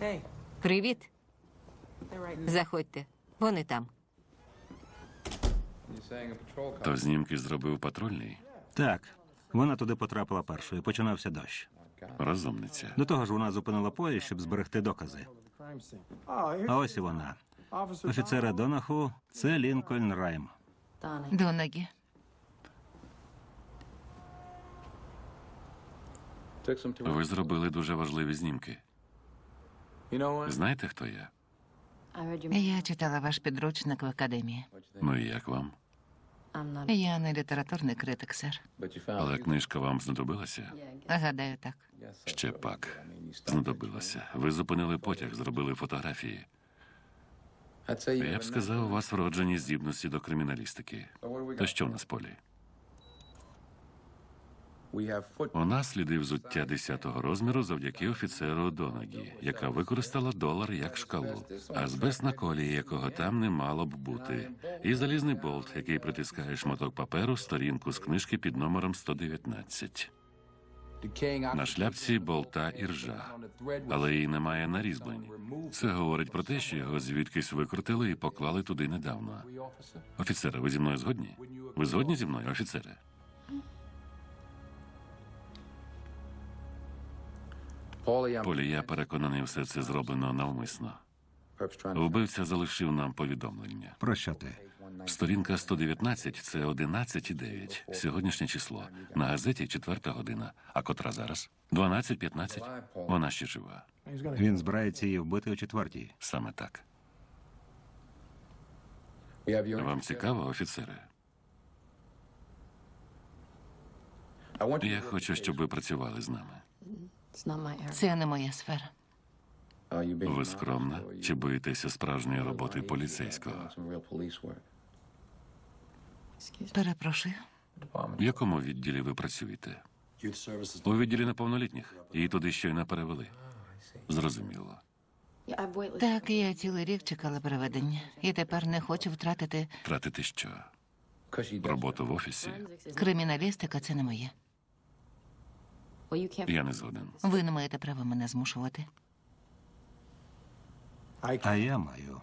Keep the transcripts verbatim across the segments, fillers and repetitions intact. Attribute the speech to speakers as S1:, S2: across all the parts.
S1: Привіт. Заходьте. Вони там.
S2: То знімки зробив патрульний?
S3: Так, вона туди потрапила першою. Починався дощ.
S2: Розумниця.
S3: До того ж, вона зупинила поїзд, щоб зберегти докази. А ось і вона. Офіцера Донаху – це Лінкольн Райм.
S1: Донагі.
S2: Ви зробили дуже важливі знімки. Знаєте, хто я?
S1: Я читала ваш підручник в академії.
S2: Ну і як вам?
S1: Я не літературний критик, сер.
S2: Але книжка вам знадобилася?
S1: Гадаю, так.
S2: Ще пак. Знадобилася. Ви зупинили потяг, зробили фотографії. Я б сказав, у вас вроджені здібності до криміналістики. То що в нас в полі? У нас сліди взуття десятого розміру завдяки офіцеру Донагі, яка використала долар як шкалу, азбест на колії, якого там не мало б бути, і залізний болт, який притискає шматок паперу, сторінку з книжки під номером сто дев'ятнадцять. На шляпці болта і ржа, але її немає на різьбленні. Це говорить про те, що його звідкись викрутили і поклали туди недавно. Офіцере, ви зі мною згодні? Ви згодні зі мною, офіцере? Полі, я переконаний, все це зроблено навмисно. Вбивця залишив нам повідомлення.
S3: Про що ти?
S2: Сторінка сто дев'ятнадцять – це одинадцять і дев'ять. Сьогоднішнє число. На газеті четверта година. А котра зараз? дванадцять п'ятнадцять. Вона ще жива.
S3: Він збирається її вбити о четвертій.
S2: Саме так. Вам цікаво, офіцере? Я хочу, щоб ви працювали з нами.
S1: Це не моя сфера.
S2: Ви скромна? Чи боїтеся справжньої роботи поліцейського?
S1: Перепрошую.
S2: В якому відділі ви працюєте? У відділі неповнолітніх. Її туди щойно перевели. Зрозуміло.
S1: Так, я цілий рік чекала переведення. І тепер не хочу втратити...
S2: Тратити що? Роботу в офісі?
S1: Криміналістика – це не моє.
S2: Я не згоден.
S1: Ви не маєте права мене змушувати.
S3: А я маю.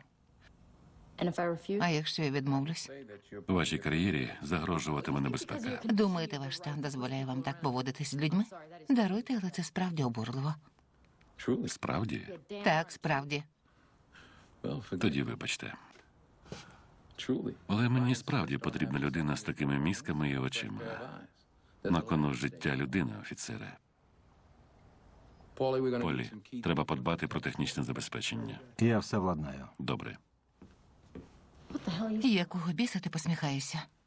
S1: А якщо я відмовлюсь?
S2: У вашій кар'єрі загрожуватиме небезпека.
S1: Думаєте, ваш стан дозволяє вам так поводитись з людьми? Даруйте, але це справді обурливо.
S2: Справді?
S1: Так, справді.
S2: Тоді вибачте. Але мені справді потрібна людина з такими мізками і очима. На кону життя людини, офіцере. Полі, треба подбати про технічне забезпечення.
S3: Я все владнаю.
S2: Добре.
S1: Якого біса ти посміхаєшся?